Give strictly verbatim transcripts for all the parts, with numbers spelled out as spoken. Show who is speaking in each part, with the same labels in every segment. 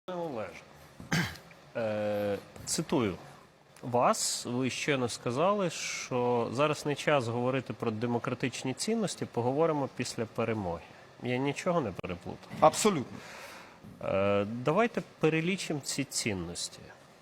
Speaker 1: Олеже, е, цитую вас, ви щойно сказали, що зараз не час говорити про демократичні цінності, поговоримо після перемоги. Я нічого не переплутав.
Speaker 2: Абсолютно.
Speaker 1: Е, давайте перелічимо ці цінності.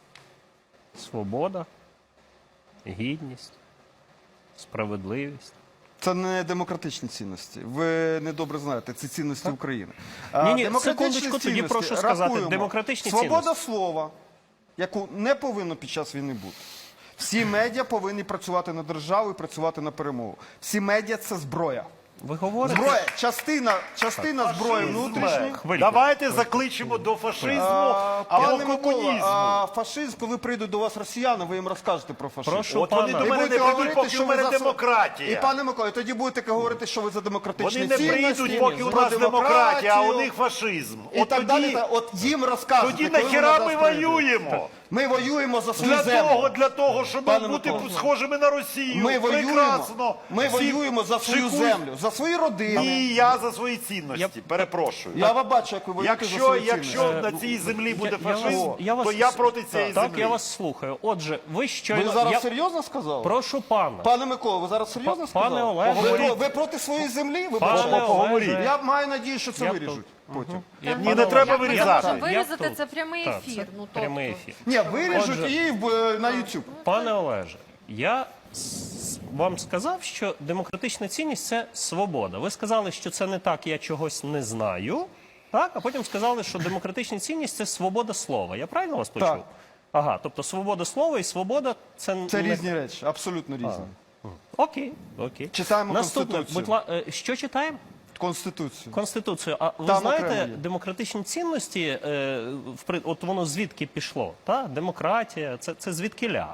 Speaker 1: Свобода, гідність, справедливість.
Speaker 2: Це не демократичні цінності. Ви недобре знаєте, це цінності
Speaker 1: Так.
Speaker 2: України.
Speaker 1: Ні-ні,
Speaker 2: Демократичні
Speaker 1: секундочку, тоді
Speaker 2: цінності,
Speaker 1: прошу сказати,
Speaker 2: рахуємо.
Speaker 1: демократичні
Speaker 2: Свобода
Speaker 1: цінності.
Speaker 2: слова, яку не повинно під час війни бути. Всі медіа повинні працювати на державу і працювати на перемогу. Всі медіа – це зброя.
Speaker 1: Ви говорите...
Speaker 2: Зброя, частина, частина зброї внутрішньої.
Speaker 1: Хвильку.
Speaker 3: Давайте закличемо до фашизму
Speaker 2: А,
Speaker 3: або
Speaker 2: Пане Микола,
Speaker 3: комунізму.
Speaker 2: а, фашизм, коли прийдуть до вас росіяни, ви їм розкажете про фашизм.
Speaker 1: Прошу
Speaker 3: От
Speaker 1: пана.
Speaker 3: вони до
Speaker 2: І
Speaker 3: мене не
Speaker 2: будете
Speaker 3: прийдуть,
Speaker 2: говорити,
Speaker 3: поки
Speaker 2: що
Speaker 3: в
Speaker 2: ви
Speaker 3: мене
Speaker 2: за...
Speaker 3: демократія.
Speaker 2: І, пане Миколо, тоді будете говорити, що ви за демократичні
Speaker 3: Вони не
Speaker 2: цінності,
Speaker 3: прийдуть, поки у
Speaker 2: про
Speaker 3: нас демократія, а у
Speaker 2: демократію.
Speaker 3: них фашизм.
Speaker 2: І
Speaker 3: От
Speaker 2: так далі.
Speaker 3: тоді,
Speaker 2: та- От їм розкажете.
Speaker 3: тоді
Speaker 2: коли
Speaker 3: нахіра
Speaker 2: вони
Speaker 3: ми
Speaker 2: до нас прийдуть.
Speaker 3: воюємо?
Speaker 2: Ми воюємо за свою
Speaker 3: Для
Speaker 2: землю.
Speaker 3: того, для того, щоб
Speaker 2: Пане
Speaker 3: бути
Speaker 2: Микола.
Speaker 3: схожими на Росію.
Speaker 2: Ми воюємо,
Speaker 3: Прекрасно.
Speaker 2: ми
Speaker 3: Всі
Speaker 2: воюємо за свою
Speaker 3: шикують.
Speaker 2: землю, за свої родини.
Speaker 3: І я за свої цінності.
Speaker 1: Я-
Speaker 3: Перепрошую.
Speaker 2: Я вас бачу, як ви воюєте за
Speaker 3: Якщо,
Speaker 2: свої
Speaker 3: якщо
Speaker 2: цінності.
Speaker 3: на цій землі буде
Speaker 1: Я- я
Speaker 3: фашизм,
Speaker 1: вас- я вас-
Speaker 3: то я проти цієї
Speaker 1: Так,
Speaker 3: землі.
Speaker 1: я вас слухаю. Отже, ви щойно...
Speaker 2: Ви зараз
Speaker 1: я...
Speaker 2: серйозно сказали?
Speaker 1: Прошу пана.
Speaker 2: Пане Микола, ви зараз серйозно
Speaker 1: Пане
Speaker 2: сказали?
Speaker 1: Олеже.
Speaker 2: ви,
Speaker 3: Поговоріть.
Speaker 2: про- ви проти своєї землі? Ви
Speaker 1: Пане
Speaker 2: проти-
Speaker 1: Олеже.
Speaker 2: Я маю надію, що це
Speaker 1: Я
Speaker 2: виріжуть потім.
Speaker 1: Я-
Speaker 3: Ні,
Speaker 1: пане
Speaker 3: не треба
Speaker 1: Олеже,
Speaker 3: вирізати.
Speaker 1: я-
Speaker 3: Можемо
Speaker 1: я
Speaker 4: Вирізати
Speaker 1: тут.
Speaker 4: це прямий
Speaker 1: Так,
Speaker 4: ефір.
Speaker 1: це
Speaker 4: Ну, тобто.
Speaker 1: прямий ефір.
Speaker 2: Ні, виріжуть
Speaker 1: Отже.
Speaker 2: і в- на YouTube.
Speaker 1: Пане Олеже, я с- вам сказав, що демократична цінність – це свобода. Ви сказали, що це не так, я чогось не знаю. Так? А потім сказали, що демократична цінність – це свобода слова. Я правильно вас почув?
Speaker 2: Так.
Speaker 1: Ага, тобто свобода слова і свобода – це...
Speaker 2: Це
Speaker 1: не...
Speaker 2: різні речі, абсолютно різні.
Speaker 1: Окей, окей.
Speaker 2: Читаємо
Speaker 1: Наступне,
Speaker 2: Конституцію.
Speaker 1: будь ла... е, що читаємо?
Speaker 2: Конституцію.
Speaker 1: Конституцію. А ви
Speaker 2: Там
Speaker 1: знаєте,
Speaker 2: окремо є.
Speaker 1: демократичні цінності, е, впри- от воно звідки пішло? Та? Демократія, це, це звідкиля?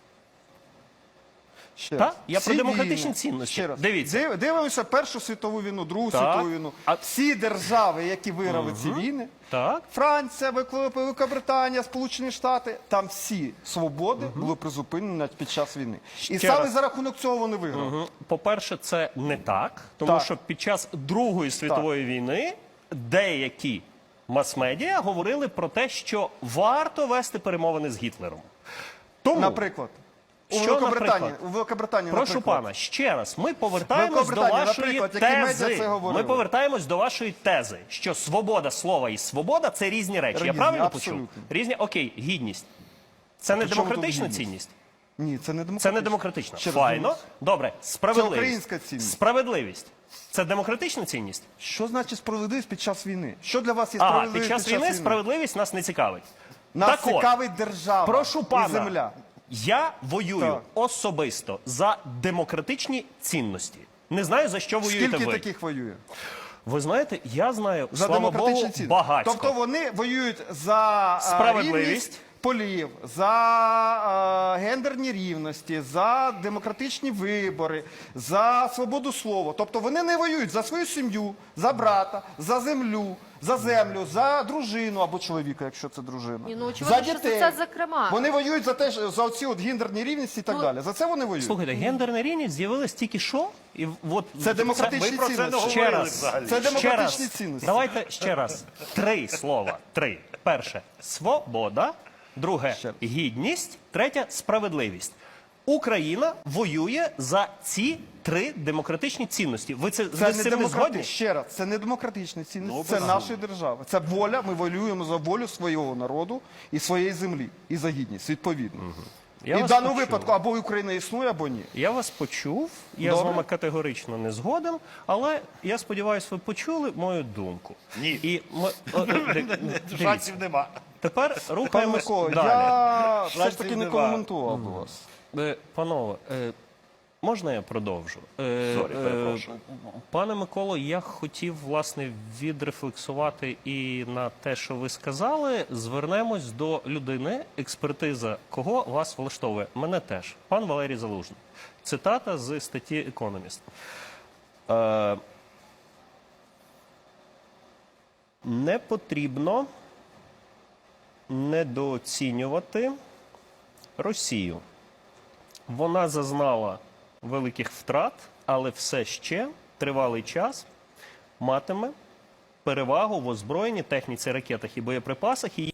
Speaker 2: Ще
Speaker 1: Та?
Speaker 2: раз.
Speaker 1: Я
Speaker 2: Всі
Speaker 1: про демократичні
Speaker 2: війни.
Speaker 1: цінності.
Speaker 2: Ще раз.
Speaker 1: Дивіться.
Speaker 2: Див- Дивимося Першу світову війну, Другу
Speaker 1: Так.
Speaker 2: світову війну.
Speaker 1: А-
Speaker 2: Всі держави, які виграли ці війни,
Speaker 1: Так.
Speaker 2: Франція, Вик- Великобританія, Сполучені Штати, там всі свободи були призупинені під час війни. І
Speaker 1: Ще
Speaker 2: саме
Speaker 1: раз.
Speaker 2: за рахунок цього вони виграли.
Speaker 1: Мгм. По-перше, це не так, тому
Speaker 2: Так.
Speaker 1: що під час Другої світової війни деякі мас-медіа говорили про те, що варто вести перемовини з Гітлером. Тому,
Speaker 2: Наприклад. У
Speaker 1: Що,
Speaker 2: Великобританії,
Speaker 1: наприклад?
Speaker 2: у Великобританії,
Speaker 1: прошу
Speaker 2: наприклад.
Speaker 1: пана, ще раз, ми повертаємось до
Speaker 2: Великобританія,
Speaker 1: вашої
Speaker 2: наприклад, які медіа
Speaker 1: тези.
Speaker 2: це говорили?
Speaker 1: Ми повертаємось до вашої тези, що свобода слова і свобода – це різні речі. Я
Speaker 2: Різні,
Speaker 1: правильно
Speaker 2: абсолютно.
Speaker 1: почув? Різні, окей, гідність. Це не
Speaker 2: при чому тут
Speaker 1: демократична
Speaker 2: гідність?
Speaker 1: цінність?
Speaker 2: Ні, це не демократично.
Speaker 1: Це не демократична.
Speaker 2: Ще раз
Speaker 1: Файно.
Speaker 2: дивлюсь.
Speaker 1: Добре. Справедливість.
Speaker 2: Це українська цінність.
Speaker 1: Справедливість. Це демократична цінність?
Speaker 2: Що значить справедливість під час війни? Що для вас є
Speaker 1: Ага,
Speaker 2: справедливість
Speaker 1: під час війни справедливість нас не цікавить.
Speaker 2: Нас
Speaker 1: Так от,
Speaker 2: цікавить держава
Speaker 1: прошу пана,
Speaker 2: і земля.
Speaker 1: я воюю
Speaker 2: Так.
Speaker 1: особисто за демократичні цінності. Не знаю, за що воюєте
Speaker 2: Скільки
Speaker 1: ви.
Speaker 2: таких воює?
Speaker 1: Ви знаєте, я знаю,
Speaker 2: За
Speaker 1: слава
Speaker 2: демократичні
Speaker 1: Богу,
Speaker 2: цінності.
Speaker 1: багатько.
Speaker 2: Тобто вони воюють за а,
Speaker 1: Справедливість.
Speaker 2: рівність полів, за а, гендерні рівності, за демократичні вибори, за свободу слова. Тобто вони не воюють за свою сім'ю, за брата, за землю, за землю, за дружину або чоловіка, якщо це дружина.
Speaker 4: Ні, ну, очевидно,
Speaker 2: за
Speaker 4: що
Speaker 2: дітей.
Speaker 4: це зокрема.
Speaker 2: Вони воюють за те, що- за оці от гендерні рівності і так
Speaker 4: Ну,
Speaker 2: далі. За це вони воюють.
Speaker 1: Слухайте, гендерна рівність з'явилась тільки що? І от
Speaker 2: Це демократичні
Speaker 3: Ми про це не
Speaker 2: цінності.
Speaker 1: Ще
Speaker 3: говорили
Speaker 1: раз.
Speaker 3: взагалі.
Speaker 2: Це
Speaker 1: Ще
Speaker 2: демократичні
Speaker 1: раз.
Speaker 2: цінності.
Speaker 1: Давайте ще раз. Три слова. Три. Перше – свобода. Друге
Speaker 2: Ще раз.
Speaker 1: – гідність. Третє – справедливість. Україна воює за ці три демократичні цінності. Ви це,
Speaker 2: Це
Speaker 1: ви з
Speaker 2: не
Speaker 1: цим не згодні?
Speaker 2: демократичні, ще раз, це не демократичні цінності, це нашої держави. Це воля, ми воюємо за волю свого народу і своєї землі, і за гідність, відповідно.
Speaker 1: Я
Speaker 2: і в
Speaker 1: вас
Speaker 2: даному
Speaker 1: почув.
Speaker 2: випадку або Україна існує, або ні.
Speaker 1: Я вас почув, я з
Speaker 2: Добре.
Speaker 1: вами категорично не згоден, але я сподіваюся, ви почули мою думку.
Speaker 3: Ні.
Speaker 1: І ми, о, ди- дивіться.
Speaker 3: Шансів нема.
Speaker 1: Тепер
Speaker 2: Пане
Speaker 1: рухаємось
Speaker 2: Микола,
Speaker 1: далі.
Speaker 2: я все ж
Speaker 3: Шансів
Speaker 2: таки не
Speaker 3: нема.
Speaker 2: коментував би вас.
Speaker 1: Е, Панове, е, можна я продовжу? Е,
Speaker 3: Сорі, перепрошую.
Speaker 1: Пане Миколо, я хотів, власне, відрефлексувати і на те, що ви сказали. Звернемось до людини, експертиза кого вас влаштовує. Мене теж. Пан Валерій Залужний. Цитата з статті «Економіст». Е, не потрібно недооцінювати Росію. Вона зазнала великих втрат, але все ще тривалий час матиме перевагу в озброєнні, техніці, ракетах і боєприпасах. І